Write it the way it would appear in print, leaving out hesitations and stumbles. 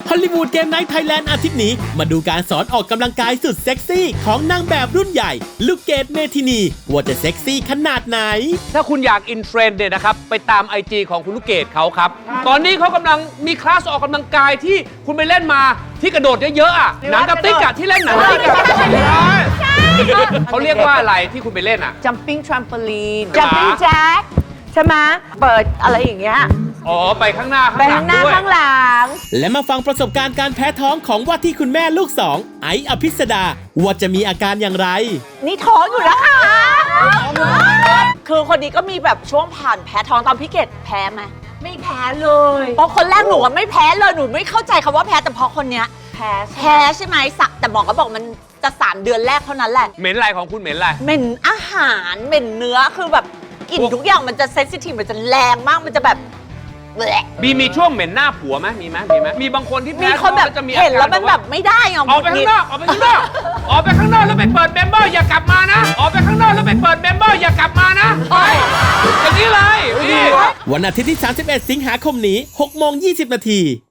ฮอลลีวูดเกมไนท์ไทยแลนด์อาทิตย์นี้มาดูการสอนออกกำลังกายสุดเซ็กซี่ของนางแบบรุ่นใหญ่ลูกเกดเมทินีว่าจะเซ็กซี่ขนาดไหนถ้าคุณอยากอินเทรนด์เนี่ยนะครับไปตาม IG ของคุณลูกเกดเขาครับตอนนี้เขากำลังมีคลาสออกกำลังกายที่คุณไปเล่นมาที่กระโดดเยอะๆอ่ะหนังกระติกอะที่เล่นหนังกระติกอะเขาเรียกว่าอะไรที่คุณไปเล่นอ่ะ jumping trampoline jumping jack ใช่ไหมเปิดอะไรอย่างเงี้ยอ๋อไปข้างหน้าไปข้างหน้าข้างหลังและมาฟังประสบการณ์การแพ้ท้องของว่าที่คุณแม่ลูกสองไอซ์อภิสดาว่าจะมีอาการอย่างไรนี่ท้องอยู่แล้วค่ะคือคนนี้ก็มีแบบช่วงผ่านแพ้ท้องตอนพี่เกดแพ้ไหมไม่แพ้เลยเพราะคนแรกหนูไม่แพ้เลยหนูไม่เข้าใจคำว่าแพ้แต่พอคนเนี้ยแพ้ใช่ไหมแต่หมอก็บอกมันจะ3 เดือนแรกเท่านั้นแหละเหม็นอะไรของคุณเหม็นอะไรเหม็นอาหารเหม็นเนื้อคือแบบกลิ่นทุกอย่างมันจะเซนซิทีฟมันจะแรงมากมันจะแบบมีช่วงเหม็นหน้าผัวไหมมีไหมมีบางคนที่แพ้มีคนแบบเห็นแล้วมันแบบไม่ได้ออกไปข้างนอกออกไปข้างนอกออกไปข้างนอกแล้วไปเปิดเมมเบอร์อย่ากลับมานะออกไปข้างนอกแล้วไปเปิดเมมเบอร์อย่ากลับมานะอย่างนี้เลยวันอาทิตย์ที่31 สิงหาคมนี้ 6:20 น